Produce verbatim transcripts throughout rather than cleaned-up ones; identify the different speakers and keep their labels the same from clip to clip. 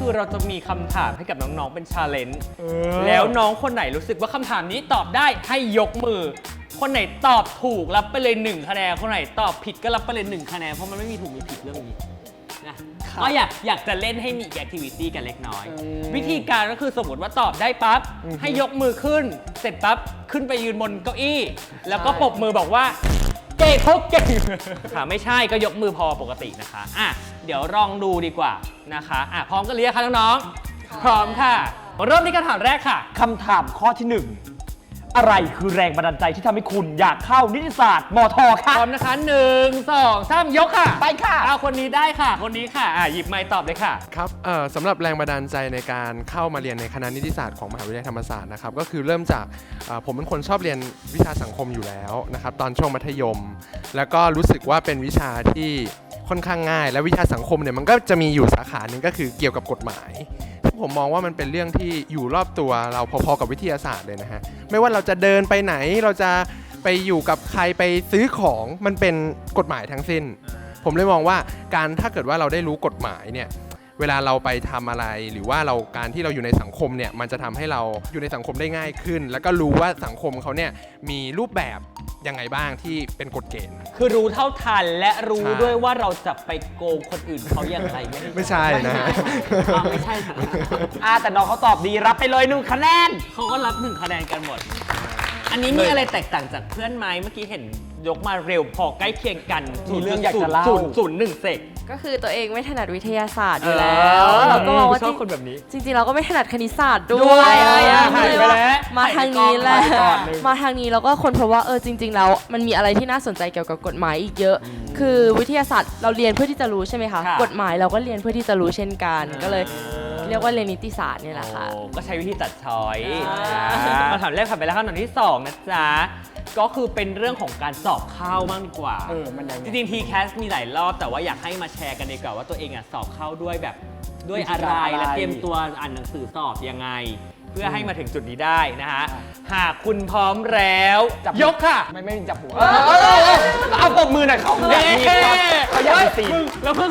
Speaker 1: คือเราจะมีคำถามให้กับน้องๆเป็นชาเลนจ์แล้วน้องคนไหนรู้สึกว่าคำถามนี้ตอบได้ให้ยกมือคนไหนตอบถูกรับไปเลยหนึ่งคะแนนคนไหนตอบผิดก็รับไปเลยหนึ่งคะแนนเพราะมันไม่มีถูกมีผิดเรื่องนี้นะก็อยากอยากจะเล่นให้มีแอคทิวิตี้กันเล็กน้อยวิธีการก็คือสมมติว่าตอบได้ปั๊บให้ยกมือขึ้นเสร็จปั๊บขึ้นไปยืนบนเก้าอี้แล้วก็ปรบมือบอกว่าเก่งเขาเก่งค่ะไม่ใช่ก็ยกมือพอปกตินะคะอ่ะเดี๋ยวลองดูดีกว่านะคะอ่ะพร้อมกันหรือยังคะน้องๆพร้อมค่ะเริ่มที่คำถามแรกค่ะ
Speaker 2: คำถามข้อที่หนึ่งอะไรคือแรงบันดาลใจที่ทำให้คุณอยากเข้านิติศาสตร์มทค่ะ
Speaker 1: พร้อมนะคะหนึ่งสองสามยกค่ะ
Speaker 2: ไปค่ะ
Speaker 1: เอาคนนี้ได้ค่ะคนนี้ค่ะอ่ะหยิบไมค์ตอบเลยค่ะ
Speaker 3: ครับเอ่อสำหรับแรงบันดาลใจในการเข้ามาเรียนในคณะนิติศาสตร์ของมหาวิทยาลัยธรรมศาสตร์นะครับก็คือเริ่มจากผมเป็นคนชอบเรียนวิชาสังคมอยู่แล้วนะครับตอนช่วงมัธยมแล้วก็รู้สึกว่าเป็นวิชาที่ค่อนข้างง่ายและวิชาสังคมเนี่ยมันก็จะมีอยู่สาขาหนึ่งก็คือเกี่ยวกับกฎหมายผมมองว่ามันเป็นเรื่องที่อยู่รอบตัวเราพอๆกับวิทยาศาสตร์เลยนะฮะไม่ว่าเราจะเดินไปไหนเราจะไปอยู่กับใครไปซื้อของมันเป็นกฎหมายทั้งสิ้นผมเลยมองว่าการถ้าเกิดว่าเราได้รู้กฎหมายเนี่ยเวลาเราไปทำอะไรหรือว่าเราการที่เราอยู่ในสังคมเนี่ยมันจะทำให้เราอยู่ในสังคมได้ง่ายขึ้นแล้วก็รู้ว่าสังคมเขาเนี่ยมีรูปแบบยังไงบ้างที่เป็นกฎเกณฑ์
Speaker 1: คือรู้เท่าทันและรู้ด้วยว่าเราจะไปโกงคนอื่นเขาอย่างไรไม่
Speaker 3: ไม่ใช่นะ
Speaker 1: ไม่ใช่ค่ะ
Speaker 2: อ่าแต่น้องเขาตอบดีรับไปเลยหนึ่งคะแนน
Speaker 1: เขาก็รับหนึ่งคะแนนกันหมดอันนี้มีอะไรแตกต่างจากเพื่อนไหมเมื่อกี้เห็นยกมาเร็วพอใกล้เคียงกัน
Speaker 2: มีเรื่องอยากจะเล่า
Speaker 1: ศูนย์หนึ่งเซก
Speaker 4: ก็คือตัวเองไม่ถนัดวิทยาศาสตร์อยู่แล้วเราก็มองว่า
Speaker 1: ชอบคนแบบนี้
Speaker 4: จริงๆเราก็ไม่ถนัดคณิตศาสตร์ด้วยมาทางนี้แหละมาทางนี้แล้วก็คนเพราะว่าเออจริงๆแล้วมันมีอะไรที่น่าสนใจเกี่ยวกับกฎหมายอีกเยอะคือวิทยาศาสตร์เราเรียนเพื่อที่จะรู้ใช่ไหมคะกฎหมายเราก็เรียนเพื่อที่จะรู้เช่นกันก็เลยเรียกว่าเรียนนิติศาสตร์นี่แหละค่ะ
Speaker 1: ก็ใช้วิธีตัดช้อยคำถามแรกผ่านไปแล้วคำถามที่สองนะจ๊ะก็คือเป็นเรื่องของการสอบเข้าบ้างดีกว่าจริงๆ ที แคส มีหลายรอบแต่ว่าอยากให้มาแชร์กันดีกว่าว่าตัวเองอ่ะสอบเข้าด้วยแบบด้วยอะไรและเตรียมตัวอ่านหนังสือสอบยังไงเพื่อให้มาถึงจุดนี้ได้นะฮะหากคุณพร้อมแล้วยกค่ะ
Speaker 2: ไม่ไม่จับหัวเอาปมมือหน่อยเขาอยากมีเขาอยากมีตี
Speaker 1: แล้วเพื่อน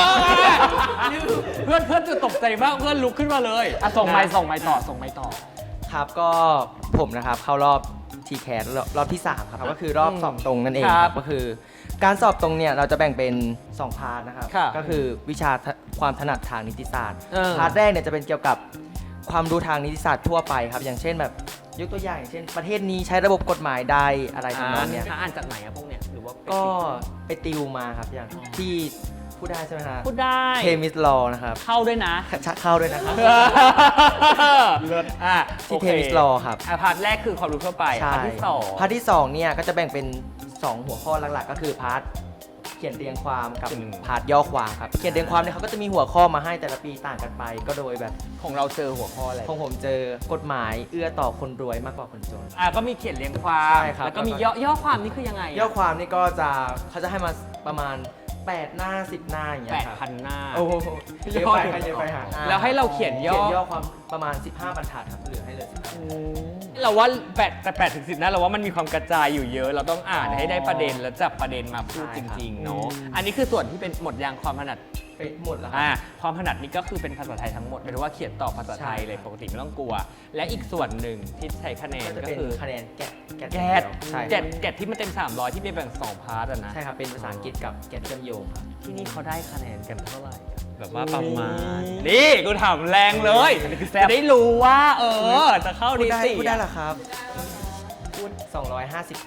Speaker 1: เพื่อนเพื่อนจะตกใจมากเพื่อนลุกขึ้นมาเลย
Speaker 2: อ่ะส่งไม้ส่งไม้ต่อส่งไม้ต่อ
Speaker 5: ครับก็ผมนะครับเข้ารอบ ที แคส รอบที่สามครับก็คือรอบสอบตรงนั่นเองครับก็คือการสอบตรงเนี่ยเราจะแบ่งเป็นสองพาร์ทนะครับก็คือวิชาความถนัดทางนิติศาสตร์พาร์ทแรกเนี่ยจะเป็นเกี่ยวกับความรู้ทางนิติศาสตร์ทั่วไปครับอย่างเช่นแบบยกตัวอย่างอย่างเช่นประเทศนี้ใช้ระบบกฎหมายใดอะไรทำนองนี้
Speaker 1: อ่านจากไหนอะพวกเนี้ยหรือว่า
Speaker 5: ก็ไปติวมาครับอย่างที่พูดได้ใช่ไหมครับ
Speaker 1: พูดได้
Speaker 5: เทมิสลอนะครับ
Speaker 1: เข้าด้วยนะ
Speaker 5: เข้าด้วยนะครับ
Speaker 1: เลิศอ่ะ
Speaker 5: ที่เทมิสลอครับ
Speaker 1: พาร์ทแรกคือความรู้ทั่วไปพาร์ทที่สอง
Speaker 5: พาร์ทที่สองเนี่ยก็จะแบ่งเป็นสองหัวข้อหลักๆก็คือพาร์ทเขียนเรียงความกับพาร์ทย่อความครับเขียนเรียงความเนี่ยเขาก็จะมีหัวข้อมาให้แต่ละปีต่างกันไปก็โดยแบบ
Speaker 1: ของเราเจอหัวข้ออะไร
Speaker 5: ของผมเจอกฎหมายเอื้อต่อคนรวยมากกว่าคนจน
Speaker 1: อ่ะก็มีเขียนเรียงความแล้วก็มีย่อย่อความนี่คือยังไง
Speaker 5: ย่อความนี่ก็จะเขาจะให้มาประมาณแปดหน้าสิบหน้าอย่างเงี้ย
Speaker 1: แปดพันหน้า
Speaker 5: โอ้โหเยอะไปเยอะไปฮะ
Speaker 1: แล้วให้เราเขียนย่
Speaker 5: อย่อความประมาณสิบห้าบรรทัดครับเหลือให้เลยสิบห้า
Speaker 1: เราว่าแปดแต่แปดถึงสิบนะเราว่ามันมีความกระจายอยู่เยอะเราต้องอ่านให้ได้ประเด็นแล้วจับประเด็นมาพูดจริงๆเนาะอันนี้คือส่วนที่เป็นหมดยางความถนัด
Speaker 5: ไปหมดแล้ว
Speaker 1: อ่าความถนัดนี่ก็คือเป็นภาษาไทยทั้งหมดหมายถึงว่าเขียนตอบภาษาไทยเลยปกติไม่ต้องกลัวและอีกส่วนหนึ่งที่ใช้คะแนนก็คือ
Speaker 5: คะแนนแกะ
Speaker 1: แกะแกะแกะที่มันเต็มสามร้อยที่มีแบ่งสองพาร์ทนะ
Speaker 5: ใช่ครับเป็นภาษาอังกฤษกับแกะเชื่อมโยงครับ
Speaker 1: ที่นี่เขาได้คะแนนกันเท่าไหร่แบบว่าประมาณนี่กูถามแรงเลยจะได้รู้ว่าเออจะเข้าดีสิ
Speaker 5: พูดได้หรอครับพูดสองร้อยห้าสิบ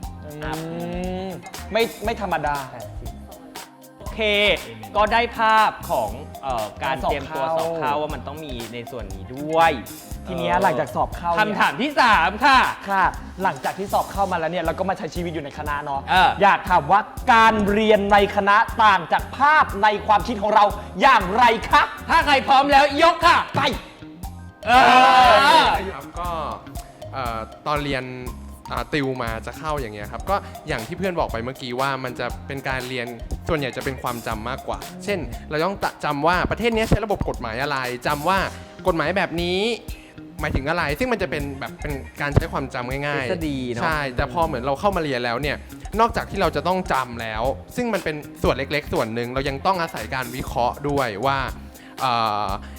Speaker 2: ไม่ไม่ธรรมดา
Speaker 1: โอเคก็ได้ภาพของเอ่อการเตรียมตัวสอบเข้าว่ามันต้องมีในส่วนนี้ด้วย
Speaker 2: ทีนี้หลังจากสอบเข้า
Speaker 1: คำถามที่สามค่ะ
Speaker 2: ค่ะหลังจากที่สอบเข้ามาแล้วเนี่ยเราก็มาใช้ชีวิตอยู่ในคณะเนาะอยากถามว่าการเรียนในคณะต่างจากภาพในความคิดของเราอย่างไรคะ
Speaker 1: ถ้าใครพร้อมแล้วยกค่ะไป
Speaker 3: เออก็ตอนเรียนติวมาจะเข้าอย่างเงี้ยครับก็อย่างที่เพื่อนบอกไปเมื่อกี้ว่ามันจะเป็นการเรียนส่วนใหญ่จะเป็นความจำมากกว่าเช่นเราต้องจำว่าประเทศนี้ใช้ระบบกฎหมายอะไรจำว่ากฎหมายแบบนี้หมายถึงอะไรซึ่งมันจะเป็นแบบเป็นการใช้ความจำง่ายๆใช่แต่พอเหมือนเราเข้ามาเรียนแล้วเนี่ยนอกจากที่เราจะต้องจำแล้วซึ่งมันเป็นส่วนเล็กๆส่วนหนึ่งเรายังต้องอาศัยการวิเคราะห์ด้วยว่า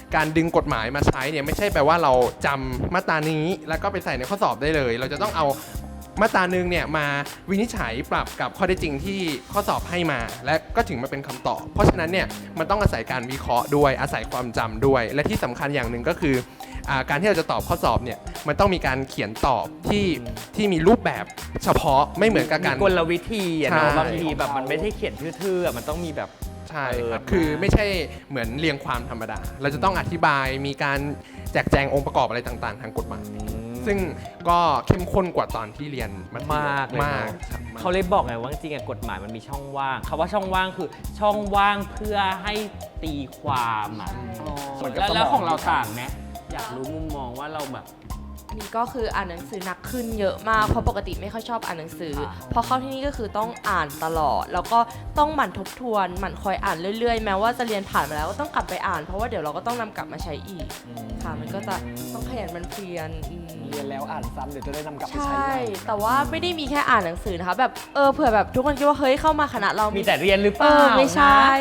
Speaker 3: การดึงกฎหมายมาใช้เนี่ยไม่ใช่แปลว่าเราจำมาตรานี้แล้วก็ไปใส่ในข้อสอบได้เลย เราจะต้องเอามาตราหนึ่งเนี่ยมาวินิจฉัยปรับกับข้อเท็จจริงที่ข้อสอบให้มา และก็ถึงมาเป็นคำตอบเพราะฉะนั้นเนี่ยมันต้องอาศัยการวิเคราะห์ด้วยอาศัยความจำด้วย และที่สำคัญอย่างหนึ่งก็คืออ่าการที่เราจะตอบข้อสอบเนี่ยมันต้องมีการเขียนตอบที่ที่มีรูปแบบเฉพาะไม่เหมือนกับการ
Speaker 1: มีกลวิธีอะเนาะ
Speaker 3: ใช่
Speaker 1: บางทีแบบมันไม่ใช่เขียนทื่อๆอะมันต้องมีแบบ
Speaker 3: ใช่ครับ
Speaker 1: เออ
Speaker 3: คือไม่ใช่เหมือนเรียงความธรรมดา เราจะต้องอธิบายมีการแจกแจงองค์ประกอบอะไรต่างๆ ทางกฎหมายซึ่งก็เข้มข้นกว่าตอนที่เรียนมัธย
Speaker 1: มากเลย
Speaker 3: มาก
Speaker 1: เนอะ
Speaker 3: ครับ
Speaker 1: เขาเลยบอกไงว่าจริงๆอะกฎหมายมันมีช่องว่างคำว่าช่องว่างคือช่องว่างเพื่อให้ตีความอ่ะ
Speaker 2: เหมือนกับ
Speaker 1: แล้ว
Speaker 2: สมอง
Speaker 1: แล้วของเราต่างไหมอยากรู้มุมมองว่าเราแบบ
Speaker 4: นี่ก็คืออ่านหนังสือหนักขึ้นเยอะมากเพราะปกติไม่ค่อยชอบอ่านหนังสือ
Speaker 1: ค่ะ
Speaker 4: พอเข้าที่นี่ก็คือต้องอ่านตลอด แล้วก็ต้องหมั่นทบทวนหมั่นคอยอ่านเรื่อยๆ แม้ว่าจะเรียนผ่านมาแล้วก็ต้องกลับไปอ่านเพราะว่าเดี๋ยวเราก็ต้องนำกลับมาใช้อีกค่ะมันก็จะต้องขยันหมันเพียรอืม
Speaker 2: เรียนแล้วอ่านซ้ำเดี๋ยวจะได้นำกลับไป
Speaker 4: ใช
Speaker 2: ใช้
Speaker 4: ่
Speaker 2: ใหม่
Speaker 4: แต่ว่าไม่ได้มีแค่อ่านหนังสือนะคะแบบเออเผื่อแบบทุกคนคิดว่าเฮ้ยเข้ามาคณะเรา
Speaker 1: มี
Speaker 4: มี
Speaker 1: แต่เรียนหรือเป
Speaker 4: เอ
Speaker 1: ล่า
Speaker 4: อไม่ใช่
Speaker 1: นะ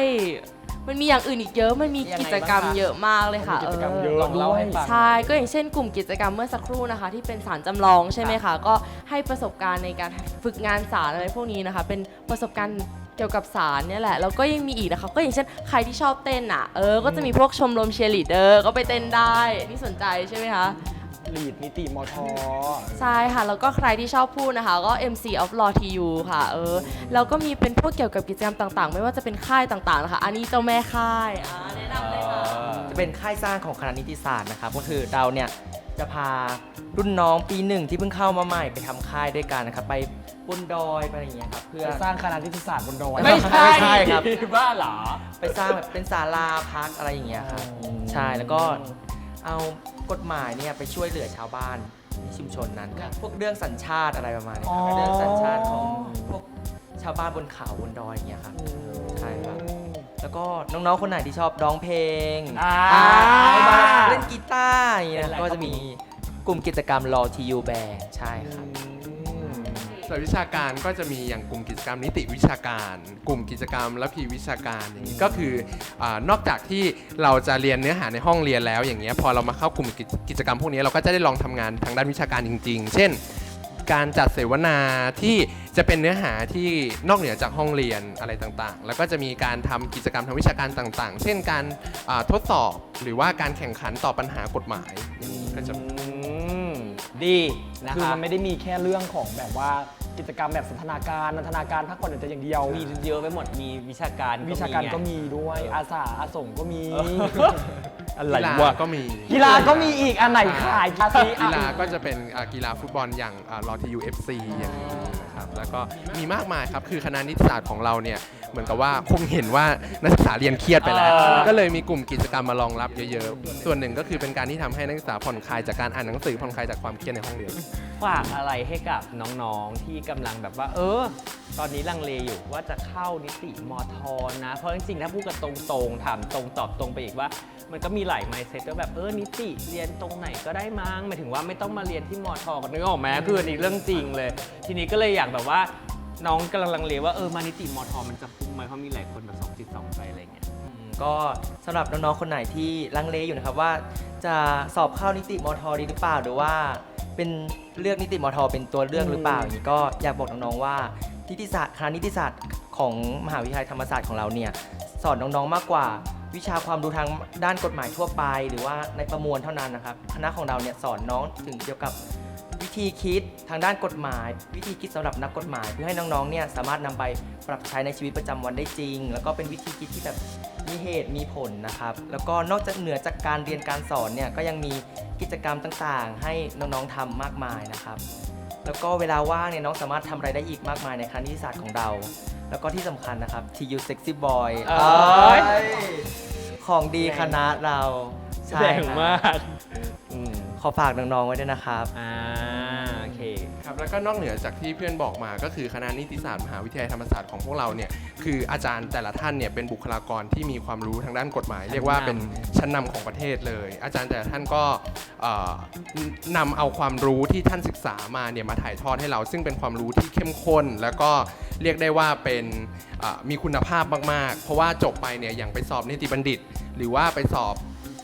Speaker 4: มันมีอย่างอื่นอีกเยอะ มันมี
Speaker 2: ยังไง
Speaker 4: กิจกรรม
Speaker 2: บ้างคะ
Speaker 4: เยอะมากเลยค่ะ
Speaker 2: มีกิจกรรม
Speaker 4: เออ
Speaker 2: เยอะ
Speaker 1: ลองเล่าให้ฟัง
Speaker 4: ใช่ ก็อย่างเช่นกลุ่มกิจกรรมเมื่อสักครู่นะคะ ที่เป็นสารจำลองใช่ไหมคะ ก็ให้ประสบการณ์ในการฝึกงานสารอะไรพวกนี้นะคะ เป็นประสบการณ์เกี่ยวกับสารเนี่ยแหละ แล้วก็ยังมีอีกนะคะ ก็อย่างเช่นใครที่ชอบเต้นอ่ะ เออ ก็จะมีพวกชมรมเชียร์ลีดเดอร์ก็ไปเต้นได้นี่สนใจใช่ไหมคะ
Speaker 2: ลีดนิติมท
Speaker 4: ใช่ค่ะ แล้วก็ใครที่ชอบพูดนะคะ ก็ เอ็ม ซี of Law ที ยู ค่ะ เออ แล้วก็มีเป็นพวกเกี่ยวกับกิจกรรมต่างๆ ไม่ว่าจะเป็นค่ายต่างๆนะคะ อันนี้เจ้าแม่ค่ายอ่าแนะนำได้ค่ะ
Speaker 5: จะเป็นค่ายสร้างของคณะนิติศาสตร์นะครับก็คือเราเนี่ยจะพารุ่นน้องปีหนึ่งที่เพิ่งเข้ามาใหม่ไปทำค่ายด้วยกันนะครับไปบนดอยไปอะไรอย่างเงี้ยครับเพื่อ
Speaker 2: ไปสร้างคณะนิติศาสตร์บนดอย
Speaker 1: ไม่ใช่
Speaker 5: ไม่ใช่ครับ
Speaker 1: บ้าเหรอ
Speaker 5: ไปสร้างแบบเป็นศาลาพักอะไรอย่างเงี้ยครับใช่แล้วก็เอากฎหมายเนี่ยไปช่วยเหลือชาวบ้านในชุมชนนั้นครับพวกเรื่องสัญชาติอะไรประมาณนี้ครับเรื่องสัญชาติของพวกชาวบ้านบนเขาบนดอยอย่างเงี้ยครับใช่ครับแล้วก็น้องๆคนไหนที่ชอบร้องเพลง
Speaker 1: อ่า
Speaker 5: อ่ามาเล่นกีตาร์อย่างเงี้ยก็จะมีกลุ่มกิจกรรม Law ที ยู Band ใช่ครับ
Speaker 3: ส่วนวิชาการก็จะมีอย่างกลุ่มกิจกรรมนิติวิชาการ กลุ่มกิจกรรมและพีวิชาการอย่างนี้ก็คืออานอกจากที่เราจะเรียนเนื้อหาในห้องเรียนแล้วอย่างเงี้ยพอเรามาเข้ากลุ่มกิจกิจกรรมพวกนี้เราก็จะได้ลองทำงานทางด้านวิชาการจริง ๆ เช่น การจัดเสวนาที่จะเป็นเนื้อหาที่นอกเหนือจากห้องเรียนอะไรต่างๆ แล้วก็จะมีการทำกิจกรรมทางวิชาการต่างๆ เช่นการอ่าทดสอบหรือว่าการแข่งขันต่อบปัญหากฎหมายอย่างนี้ก็จะ
Speaker 1: อืมดีนะ
Speaker 2: คือ
Speaker 1: คะ
Speaker 2: มันไม่ได้มีแค่เรื่องของแบบว่ากิจกรรมแบบสันทนาการนันทนาการพักผ่อนแต่อย่างเดียว
Speaker 1: มีเยอะไปหมดมีวิชาการ
Speaker 2: วิชาการก็
Speaker 1: ไง
Speaker 2: มีด้วยอาสาอาสงก็มี
Speaker 1: อะไร
Speaker 3: กีฬาว
Speaker 1: ะ
Speaker 3: ก็มี
Speaker 2: กีฬาก็มีอีกอันไหนขายภาษี
Speaker 3: กีฬาก็จะเป็นอ่ากีฬาฟุตบอลอย่างลอทียูเอฟซีอย่างนี้นะครับแล้วก็มีมากมายครับคือคณะนิติศาสตร์ของเราเนี่ยเหมือนกับว่าคงเห็นว่านักศึกษาเรียนเครียดไปแล้ว
Speaker 1: เออ
Speaker 3: ก็เลยมีกลุ่มกิจกรรมมารองรับเยอะๆส่วนหนึ่งก็คือเป็นการที่ทำให้นักศึกษาผ่อนคลายจากการอ่านหนังสือผ่อนคลายจากความเครียดในห้องเรียน
Speaker 1: ฝากอะไรให้กับน้องๆที่กำลังแบบว่า เออ ตอนนี้ลังเลอยู่ว่าจะเข้านิติมอทอนะ เพราะจริงๆถ้าพูดกันตรงๆถามตรงตอบตรงไปอีกว่า มันก็มีหลาย mindset ว่าแบบเออนิติเรียนตรงไหนก็ได้มั้งหมายถึงว่าไม่ต้องมาเรียนที่มอทอกันนึกออกไหมคืออันนี้เรื่องจริงเลย ทีนี้ก็เลยอยากแบบว่าน้องกำลังลังเลว่าเออมานิติมอทอมันจะคุ้มไหมเพราะมีหลายคนแบบสองจิตสองใจอะไรเงี้ย
Speaker 5: อืมก็สำหรับน้องๆ คนไหนที่ลังเลอยู่นะครับว่าจะสอบเข้านิติมอทอดีหรือเปล่าหรือว่าเป็นเลือกนิติมอทอเป็นตัวเลือกหรือเปล่าอย่างนี้ก็อยากบอกน้องๆว่านิติศาสตร์คณะนิติศาสตร์ของมหาวิทยาลัยธรรมศาสตร์ของเราเนี่ยสอนน้องๆ มากกว่าวิชาความรู้ทางด้านกฎหมายทั่วไป หรือว่าในประมวลเท่านั้นนะครับคณะของเราเนี่ยสอนน้องถึงเกี่ยวกับวิธีคิดทางด้านกฎหมาย วิธีคิดสำหรับนักกฎหมาย เพื่อให้น้องๆ เนี่ยสามารถนำไปปรับใช้ในชีวิตประจำวันได้จริง แล้วก็เป็นวิธีคิดที่แบบมีเหตุมีผลนะครับแล้วก็นอกจากเหนือจากการเรียนการสอนเนี่ยก็ยังมีกิจกรรมต่างๆ ให้น้องๆทำมากมายนะครับแล้วก็เวลาว่างเนี่ยน้องสามารถทำอะไรได้อีกมากมายในคณะนิติศาสตร์ของเรา แล้วก็ที่สำคัญนะครับ ที ยู Sexy Boy
Speaker 1: เอ้ย
Speaker 5: เอ้ยของดีคณะเราใช่
Speaker 1: แรง
Speaker 5: ครับ
Speaker 1: มากอืม
Speaker 5: ขอฝากน้องๆไว้ด้วยนะครับ
Speaker 1: อ่าโอเค
Speaker 3: ครับแล้วก็นอกเหนือจากที่เพื่อนบอกมาก็คือคณะนิติศาสตร์มหาวิทยาลัยธรรมศาสตร์ของพวกเราเนี่ยคืออาจารย์แต่ละท่านเนี่ยเป็นบุคลากรที่มีความรู้ทางด้านกฎหมาย เรียกว่าเป็นชั้นนำของประเทศเลย อาจารย์แต่ละท่านก็เอ่อนำเอาความรู้ที่ท่านศึกษามาเนี่ยมาถ่ายทอดให้เรา ซึ่งเป็นความรู้ที่เข้มข้น แล้วก็เรียกได้ว่าเป็นเอ่อมีคุณภาพมากๆ เพราะว่าจบไปเนี่ยอย่างไปสอบนิติบัณฑิต หรือว่าไปสอบ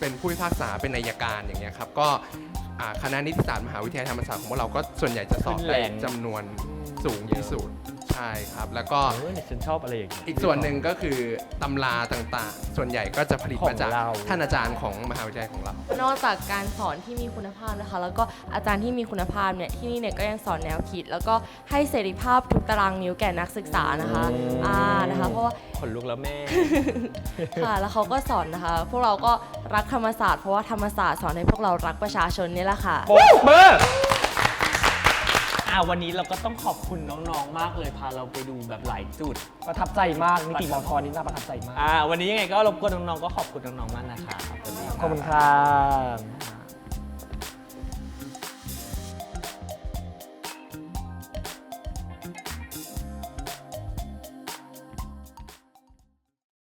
Speaker 3: เป็นผู้พิพากษาเป็นอัยการอย่างเงี้ยครับก็อ่าคณะนิติศาสตร์มหาวิทยาลัยธรรมศาสตร์ของพวกเราก็ส่วนใหญ่จะสอบได้จำนวนสูงที่สุดใช่ครับแล้วก็
Speaker 2: เออเนี่ยฉันชอบอะไรอย่างเงี้ย
Speaker 3: อีกส่วนหนึ่งก็คือตำราต่างๆ ส่วนใหญ่ก็จะผลิตมาจาก
Speaker 2: ของเรา
Speaker 3: ท่านอาจารย์ของมหาวิทยาลัยของเรา
Speaker 4: นอกจากการสอนที่มีคุณภาพนะคะ แล้วก็อาจารย์ที่มีคุณภาพเนี่ยที่นี่เนี่ยก็ยังสอนแนวคิด แล้วก็ให้เสรีภาพทุกตารางนิ้วแก่นักศึกษานะคะอ่านะคะเพราะว่า
Speaker 2: ขนลุกแล้วแม่
Speaker 4: ค่ะแล้วเขาก็สอนนะคะ พวกเราก็รักธรรมศาสตร์เพราะว่าธรรมศาสตร์สอนให้พวกเรารักประชาชนนี่แหละค่ะ
Speaker 2: โป๊ะเบอร์
Speaker 1: อ่าวันนี้เราก็ต้องขอบคุณน้องๆ มากเลยพาเราไปดูแบบหลายจุด
Speaker 2: ประทับใจมากนิติมอทอนี่น่าประทับใจมาก
Speaker 1: อ่าวันนี้ยังไงก็รบกวนน้องๆ ก็ขอบคุณน้องๆ มากนะครับ
Speaker 2: ขอบคุณครับ